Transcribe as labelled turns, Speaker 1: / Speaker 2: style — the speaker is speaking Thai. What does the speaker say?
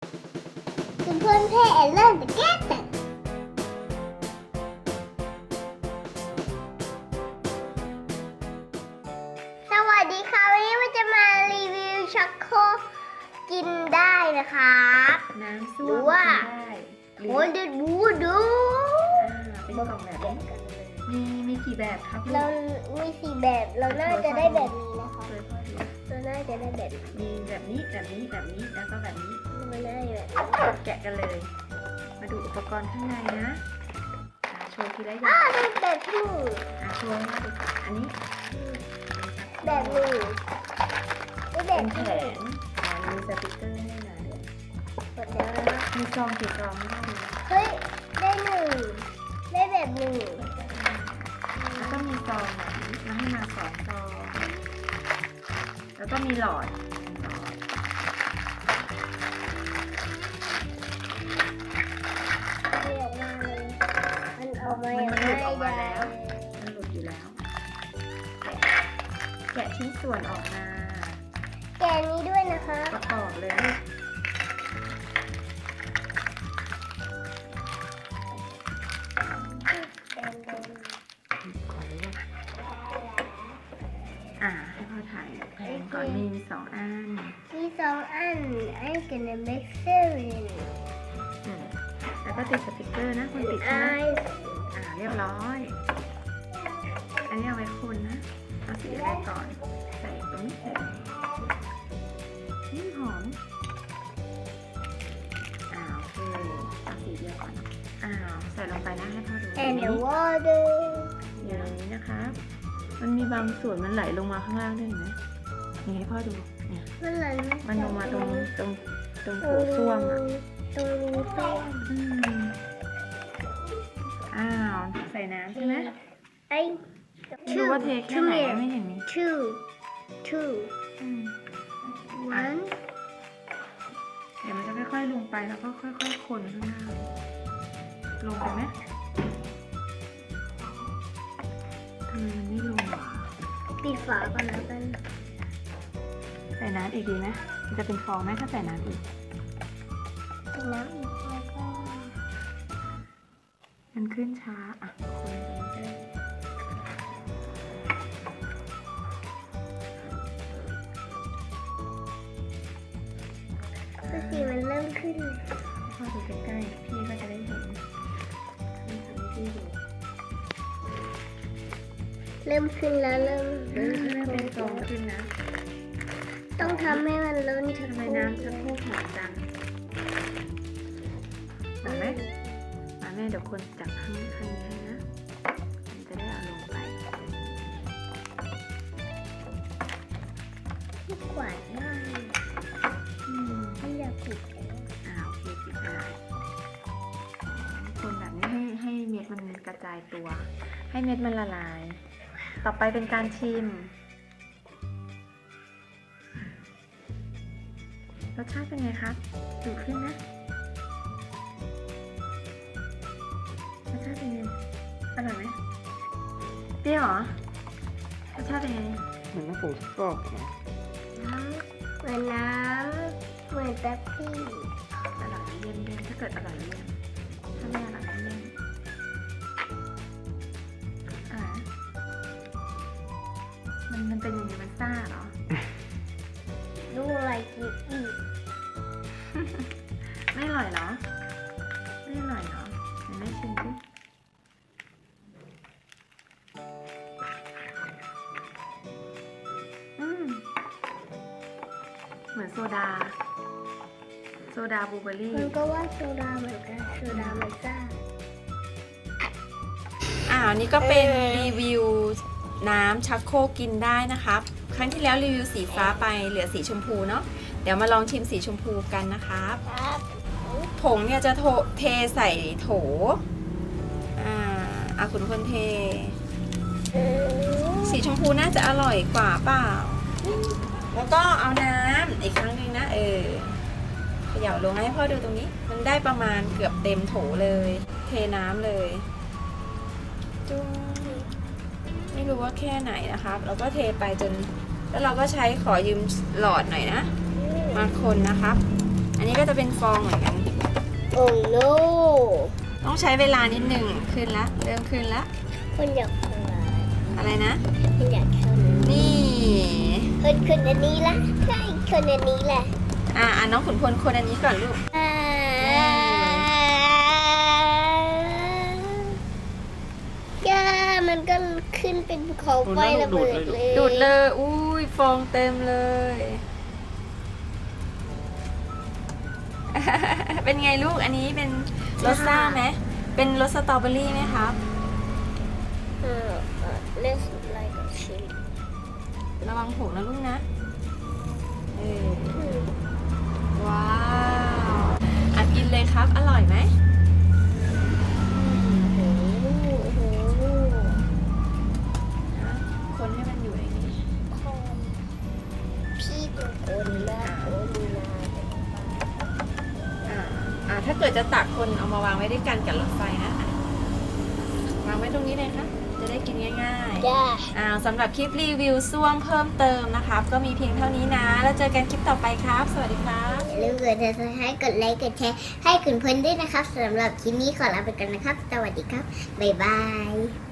Speaker 1: คุณเพื่อนเพ่เริ่มจะแก้แต่สวัสดีค่ะวันนี้มันจะมารีวิวช็อกโกกินได้นะครับ
Speaker 2: น้ำส้วม
Speaker 1: หรือว่า
Speaker 2: กินได้ห
Speaker 1: โห
Speaker 2: รือ
Speaker 1: ดูดูดู
Speaker 2: เป็นกล่องแบบนี้มีกี่แบบครับ
Speaker 1: เรามีสี่แบบเราน่าจะได้แบบนี้นะคะ
Speaker 2: เลยพ่อดู
Speaker 1: เราน่าจะได้แบบนี้
Speaker 2: มีแบบนี้แบบนี้แบบนี้แล้วก็แบบนี้
Speaker 1: เราน่าจะแบบนี้
Speaker 2: แกะกันเลย มาดูอุปกรณ์ข้างในนะโชว์ทีละอ
Speaker 1: อ้า
Speaker 2: ย่าง
Speaker 1: เป็นแบบที่หนึ่ง
Speaker 2: โชว์ให้มาดูค่ะอันนี้
Speaker 1: แบบหนึ่งไม่แบ
Speaker 2: เป็
Speaker 1: บ
Speaker 2: นแผ
Speaker 1: ที่หนึ่ง
Speaker 2: งมีสติกเกอร์ให้นะ
Speaker 1: หมดแล้วนะ
Speaker 2: มีซองกี่ซองให้ดู
Speaker 1: เฮ้ยได้หนึ่งได้แบบหนึ่ง
Speaker 2: แล้วก็มีซองแบบนี้มาให้มา2 ซองแล้วก็มีหลอด
Speaker 1: ไม่ออกมาเลยมันออกมา
Speaker 2: มัน
Speaker 1: อย่าง
Speaker 2: หลุดออกมา
Speaker 1: ง่าย
Speaker 2: แล้ว มันหลุดอยู่แล้ว แกะชิ้นส่วนออกมา
Speaker 1: แกะนี้ด้วยนะคะ
Speaker 2: ประกอบเลย ให้พ่อถ่ายแผงก่อนมี2 อัน
Speaker 1: มีสองอัน I'm gonna make seven
Speaker 2: แล้วก็ติดสติกเกอร์นะคุณติดใช่ไหม
Speaker 1: I
Speaker 2: เรียบร้อย อันนี้เอาไว้คุณนะเอาสีอะไรก่อน ใส่ตรงนี้ใส่หอมโอเคเอาสีเดียวก่อนใส่ลงไปนะให้พ่อดู
Speaker 1: and the water
Speaker 2: อย่างนี้นะครับ มันมีบางส่วนมันไหลลงมาข้างล่างด้วยเห็นไหมนี่ให้พ่อดูเนี่ย
Speaker 1: มันไหล
Speaker 2: มันลงมาตรงโถส้วมอ่ะ
Speaker 1: ตรงรูส้วม
Speaker 2: ใส่น้ำใช่ไหม
Speaker 1: ไอ้
Speaker 2: ดูว่าเทแค่ไหนไม่เห็นมี
Speaker 1: two one
Speaker 2: เดี๋ยวมันจะค่อยๆลงไปแล้วก็ค่อยๆคนข้างหน้าลงไปไหมทำไมมันไม่ลงอ่ะ
Speaker 1: ปิดฝาก่อนแล้วกัน
Speaker 2: ใส่น้ำอีกดีไหมมันจะเป็นฟองไหมถ้าใส่น้ำอีก
Speaker 1: ปิดน้ำอีกแล้วก็
Speaker 2: มันขึ้นช้าคนไปเรื่อย
Speaker 1: คือสีมันเริ่มขึ้น
Speaker 2: ๆพ่อดูใกล้ๆพี่ก็จะได้เห็นนี่ทำให้พี่ดู
Speaker 1: เริ่มขึ้นแล้วเริ่ม
Speaker 2: เริ่มเป็นฟองขึ้นนะ
Speaker 1: ต้องทำให้มันล้นชัก
Speaker 2: ทำ
Speaker 1: โค
Speaker 2: ไม
Speaker 1: ร
Speaker 2: น้ำจะพูดหอมจังเห็นไหมมาแม่เดี๋ยวคนจับข้างนี้ให้นะมันจะได้เอาลงไป
Speaker 1: ที่กวาดได้ไม่อยากปิดแล้ว
Speaker 2: โอเคปิดได้คนแบบนี้ให้เม็ดมันกระจายตัว ให้เม็ดมันละลาย ต่อไปเป็นการชิม รสชาติเป็นไงครับดูขึ้นนะรสชาติเป็นไงอร่อยไหมเปรี้ยวเหรอรสชาติเป็นไง
Speaker 3: เหมือนน้ำผงซักฟอกนะ
Speaker 1: น้ำเหมือนน้ำเหมือนแป๊บซี่
Speaker 2: อร่อยเยี่ยมถ้าเกิดอร่อยเยี่ยมถ้าไม่อร่อยเยี่ยมมันเป็นยังไงมันซ่าเหรอ
Speaker 1: ดูอะไรกินอีก
Speaker 2: ไม่อร่อยเหรอไม่อร่อยเหรอเดี๋ยวแม่ชิมสิเหมือนโซดาบลูเบอร์รี่
Speaker 1: มันก็ว่าโซดาเหมือนกันโซดามันซ่า
Speaker 2: นี่ก็เป็นรีวิวน้ำชักโครกกินได้นะครับ ครั้งที่แล้วรีวิวสีฟ้าไปเหลือสีชมพูเนาะเดี๋ยวมาลองชิมสีชมพูกันนะครับ
Speaker 1: ครับ
Speaker 2: ผงเนี่ยจะเทใส่โถคุณคนเท สีชมพูน่าจะอร่อยกว่าเปล่า แล้วก็เอาน้ำอีกครั้งหนึงนะเขย่าลงให้พ่อดูตรงนี้ มันได้ประมาณเกือบเต็มโถเลย เทน้ำเลยจุ้งไม่รู้ว่าแค่ไหนนะครับ เราก็เทไปจน แล้วเราก็ใช้ขอยืมหลอดหน่อยนะ มาคนนะครับอันนี้ก็จะเป็นฟองเหมือนกัน
Speaker 1: โอ้โน
Speaker 2: ต้องใช้เวลานิดหนึ่งขึ้นละเริ่มขึ้นละ
Speaker 1: คนอยากทำอะไร
Speaker 2: อะไรนะ
Speaker 1: คนอยากทำ
Speaker 2: นี่
Speaker 1: คนอันนี้ละใช่คนอันนี้แหละ
Speaker 2: น้องขุนพลคนอันนี้ก่อนลูก
Speaker 1: ย่ามันก็ขึ้นเป็นภูเขาไฟระเบิดเลย
Speaker 2: ดูดเลยอุ้ยฟองเต็มเลย เป็นไงลูกอันนี้เป็นรสซ่าไหมเป็นรสสตรอเบอรี่ไหมครับ
Speaker 1: Let's like a chili
Speaker 2: ระวังหกนะลูกนะว้าวกินเลยครับอร่อยไหมคนให้มันอยู่ในนี้
Speaker 1: พี่ตัวคนและคนนา
Speaker 2: ถ้าเกิดจะตักคนเอามาวางไว้ด้วยกันกับรถไฟนะวางไว้ตรงนี้เลยค่ะจะได้กินง่ายๆ
Speaker 1: จ้า
Speaker 2: สำหรับคลิปรีวิวซ่วมเพิ่มเติมนะครับก็มีเพียงเท่านี้นะแล้วเจอกันคลิปต่อไปครับสวัสดีครับ
Speaker 1: อย่าลืมกด subscribe กดไลค์กดแชร์ให้คุณเพื่อนด้วยนะครับสำหรับคลิปนี้ขอลาไปกันนะครับ สวัสดีครับ บ๊ายบาย